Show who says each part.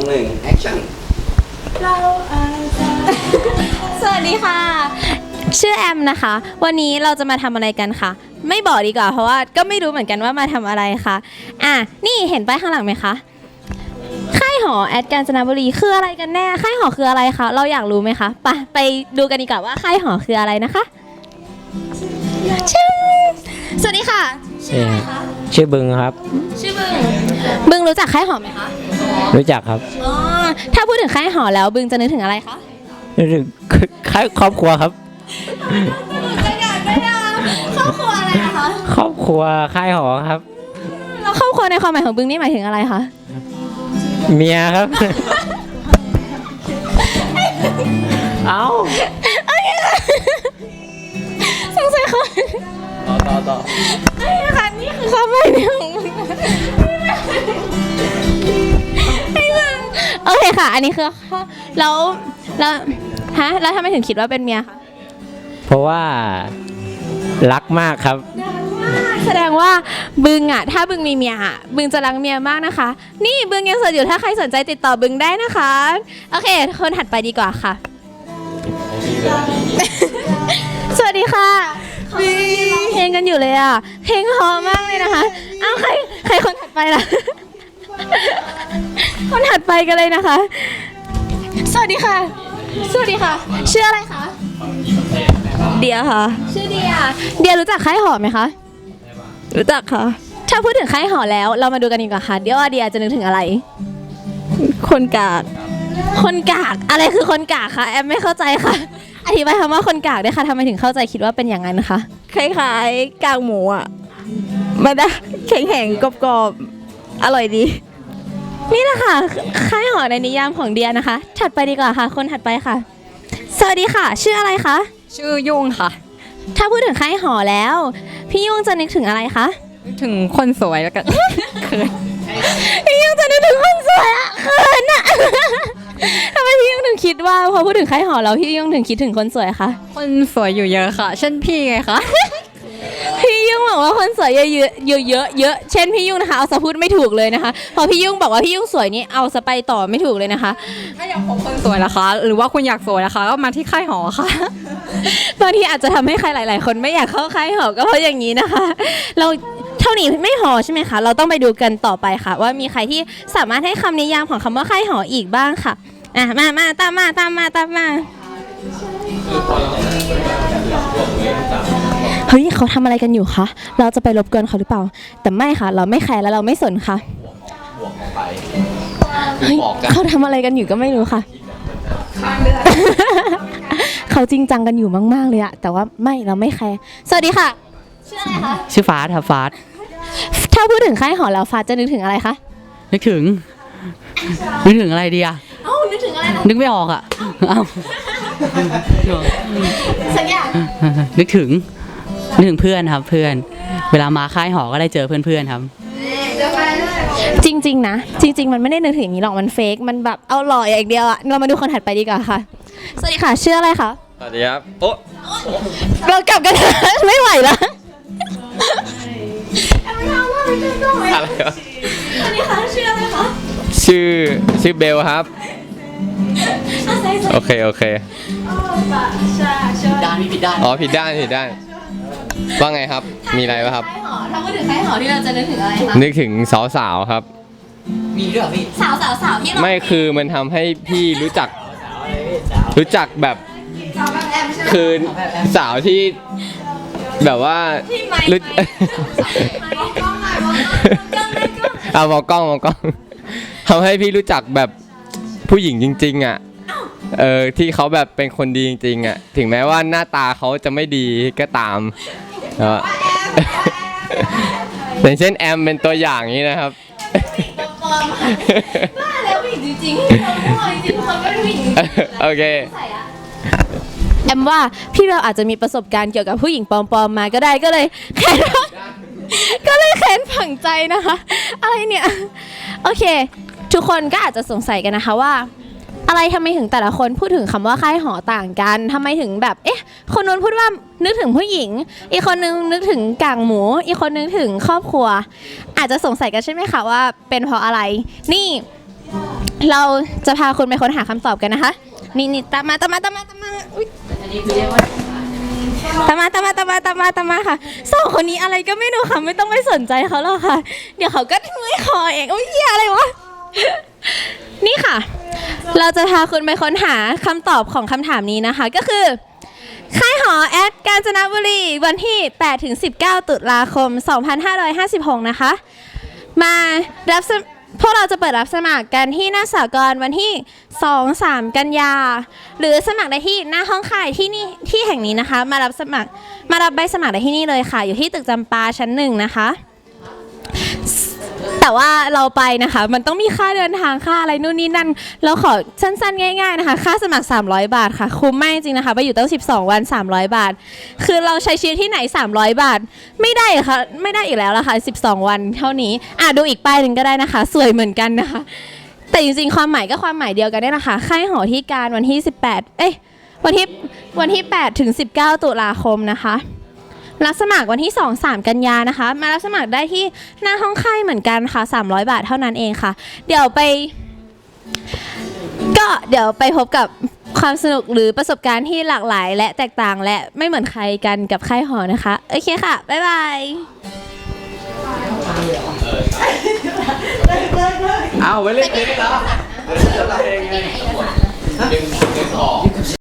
Speaker 1: 1 แอคชั่น
Speaker 2: สวัสดีค่ะชื่อแอมนะคะวันนี้เราจะมาทำอะไรกันคะไม่บอกดีกว่าเพราะว่าก็ไม่รู้เหมือนกันว่ามาทำอะไรคะนี่เห็นป้ายข้างหลังไหมคะค่ายหอแอดกาญจนบุรีคืออะไรกันแน่ค่ายหอคืออะไรคะเราอยากรู้ไหมคะไปดูกันดีกว่าว่าค่ายหอคืออะไรนะคะสวัสดีค่ะชื่ออะไรคะ
Speaker 3: ชื่อบึงครับ
Speaker 2: ชื่อบึงรู้จักค่ายหอไหมคะ
Speaker 3: รู้จักครับ
Speaker 2: อ๋อถ้าพูดถึงค่ายหอแล้วบึงจะนึกถึงอะไรคะ
Speaker 3: นึกถึงครอบครัวครับ
Speaker 2: ครอบครัวอะไรคะ
Speaker 3: ครอบครัวค่ายหอครับ
Speaker 2: แล้วครอบครัวในความหมายของบึงนี่หมายถึงอะไรคะ
Speaker 3: เมียครับเอา
Speaker 2: สงสัยเขา
Speaker 3: ต่อ
Speaker 2: ค่ะนี่คือความหมายของมึงโอเคค่ะอันนี้คือแล้วทำไมถึงคิดว่าเป็นเมียคะ
Speaker 3: เพราะว่ารักมากครับ
Speaker 2: แสดงว่าบึงถ้าบึงมีเมียบึงจะรักเมียมากนะคะนี่บึงยังโสดอยู่ถ้าใครสนใจติดต่อบึงได้นะคะโอเคคนถัดไปดีกว่าค่ะสวัสดีค่ะเพลงกันอยู่เลยเพลงเพราะมากเลยนะคะเอาใครคนถัดไปล่ะคนถัดไปกันเลยนะคะสวัสดีค่ะชื่ออะไรคะเดียค่ะชื่อเดียรู้จักค่ายหอไหมคะรู้จักค่ะถ้าพูดถึงค่ายหอแล้วเรามาดูกันดีกว่าค่ะเดี๋ยวว่าเดียจะนึกถึงอะไรคนกากอะไรคือคนกากคะแอมไม่เข้าใจค่ะอธิบายคำว่าคนกากด้วยค่ะทำไมถึงเข้าใจคิดว่าเป็นอย่างนั้นคะ
Speaker 4: คล้ายๆกากหมูมันได้แข็งๆกรอบๆอร่อยดี
Speaker 2: นี่แหละค่ะค่ายหอในนิยามของเดียนะคะถัดไปดีกว่าค่ะคนถัดไปค่ะสวัสดีค่ะชื่ออะไรคะ
Speaker 4: ชื่อยุ่งค่ะ
Speaker 2: ถ้าพูดถึงค่ายหอแล้วพี่ยุ่งจะนึกถึงอะไรคะ
Speaker 4: นึกถึงคนสวยแล้วกันเขิน
Speaker 2: พี่ยุ่งจะนึกถึงคนสวยเขินทำไมพี่ยุ่งถึงคิดว่าพอพูดถึงค่ายหอแล้วพี่ยุ่งถึงคิดถึงคนสวยคะ
Speaker 4: คนสวยอยู่เยอะค่ะเช่นพี่ไงคะ
Speaker 2: พี่ยุ่งบอกว่าคนสวยเยอะเช่นพี่ยุ่งนะคะเอาซะพูดไม่ถูกเลยนะคะพอพี่ยุ่งบอกว่าพี่ยุ่งสวยนี่เอาซะไปต่อไม่ถูกเลยนะคะ
Speaker 4: ถ้าอยากพบคนสวยนะคะหรือว่าคุณอยากสวยนะคะก็มาที่ค่ายหอค่ะ
Speaker 2: บางทีอาจจะทำให้ใครหลายๆคนไม่อยากเข้าค่ายหอก็เพราะอย่างนี้นะคะเราเท่านี้ไม่พอใช่ไหมคะเราต้องไปดูกันต่อไปค่ะว่ามีใครที่สามารถให้คำนิยามของคำว่าค่ายหออีกบ้างค่ะมาตามมาเฮ้ยเขาทำอะไรกันอยู่คะเราจะไปรบกวนเขาหรือเปล่าแต่ไม่ค่ะเราไม่แคร์และเราไม่สนค่ะเฮ้ยเขาทำอะไรกันอยู่ก็ไม่รู้ค่ะเขาจริงจังกันอยู่มากๆเลยแต่ว่าเราไม่แคร์สวัสดีค่ะชื่ออะไรคะ
Speaker 3: ชื่อฟาสครับฟาส
Speaker 2: ถ้าพูดถึงค่ายหอแล้วฟาสจะนึกถึงอะไรคะ
Speaker 3: นึกถึงอะไรดี
Speaker 2: นึกถึงอะไร
Speaker 3: นึกไม่ออก
Speaker 2: สักอย่าง
Speaker 3: นึกถึงเพื่อนครับเพื่อนเวลามาค่ายหอก็ได้เจอเพื่อนครับ
Speaker 2: จริงๆนะจริงๆมันไม่ได้นึกถึงอย่างนี้หรอกมันเฟกมันแบบเอาหล่ออย่างเดียวเรามาดูคนถัดไปดีกว่าค่ะสวัสดีค่ะชื่ออะไรคะ
Speaker 1: สวัสดีครับโอ้
Speaker 2: เรากลับกันไม่ไหวแล้ว
Speaker 1: อะไรวะ
Speaker 2: สวัสดีค่ะชื่ออะไรคะ
Speaker 1: ชื่อเบลครับโอเค
Speaker 3: ด้านผิดด้าน
Speaker 1: ผิดด้านว่าไงครับมีอะไรป่ะครับ
Speaker 2: ถ้าพูดถึงค่ายหอที่เราจะนึกถึงอะไรคะ
Speaker 1: นึกถึงสาวครับ
Speaker 3: มีด้วยเหรอพี่
Speaker 2: สาวที่เรา
Speaker 1: ไม่คือมันทำให้พี่รู้จักแบบคือสาวที่แบบว่ามองกล้องทำให้พี่รู้จักแบบผู้หญิงจริงๆที่เขาแบบเป็นคนดีจริงๆถึงแม้ว่าหน้าตาเขาจะไม่ดีก็ตามอย่างเช่นแอมเป็นตัวอย่างนี้นะครับ
Speaker 2: ว่าแล้วผู้หญิงจริงๆจริงๆคนก็เป็นผู้หญิง
Speaker 1: โอเค
Speaker 2: แอมว่าพี่เบลอาจจะมีประสบการณ์เกี่ยวกับผู้หญิงปลอมๆมาก็ได้ก็เลยแค้นฝังใจนะคะอะไรเนี่ยโอเคทุกคนก็อาจจะสงสัยกันนะคะว่าอะไรทำไมถึงแต่ละคนพูดถึงคำว่าค่ายหอต่างกันทำไมถึงแบบคนนู้นพูดว่านึกถึงผู้หญิงอีกคนนึงนึกถึงกางหมูอีกคนนึงถึงครอบครัวอาจจะสงสัยกันใช่ไหมคะว่าเป็นเพราะอะไรนี่เราจะพาคุณไปค้นหาคำตอบกันนะคะ นี่ตามมาอุ๊ยตามมาค่ะสองคนนี้อะไรก็ไม่รู้ค่ะไม่ต้องไปสนใจเขาหรอกค่ะ เดี๋ยวเขาก็เมื่อยคอเองโอ้ยเหี้ยอะไรวะ นี่ค่ะ เราจะพาคุณไปค้นหาคำตอบของคำถามนี้นะคะ ก็คือค่ายหอแอดกาญจนบุรีวันที่ 8-19 ตุลาคม 2556 นะคะมารับพวกเราจะเปิดรับสมัครกันที่หน้าสากลวันที่ 2-3 กันยาหรือสมัครได้ที่หน้าห้องค่ายที่นี่ที่แห่งนี้นะคะมารับใบสมัครได้ที่นี่เลยค่ะอยู่ที่ตึกจำปาชั้น 1นะคะแต่ว่าเราไปนะคะมันต้องมีค่าเดินทางค่าอะไรนู่นนี่นั่นเราขอสั้นๆง่ายๆนะคะค่าสมัคร300 บาทค่ะคุ้มมากจริงๆนะคะไปอยู่ตั้ง12 วัน300 บาทคือเราใช้ชีวิตที่ไหน300 บาทไม่ได้ค่ะไม่ได้อีกแล้วละค่ะ12 วันเท่านี้ดูอีกป้ายหนึ่งก็ได้นะคะสวยเหมือนกันนะคะแต่จริงๆความหมายก็ความหมายเดียวกันได้นะคะค่ายหอที่การวันที่วันที่8-19 ตุลาคมนะคะรับสมัครวันที่ 2-3 กันยานะคะมารับสมัครได้ที่หน้าห้องค่ายเหมือนกันค่ะ300 บาทเท่านั้นเองค่ะเดี๋ยวไปพบกับความสนุกหรือประสบการณ์ที่หลากหลายและแตกต่างและไม่เหมือนใครกันกับค่ายหอนะคะโอเคค่ะบ๊ายบาย
Speaker 1: เอาไว้เล่นเกมเหรอ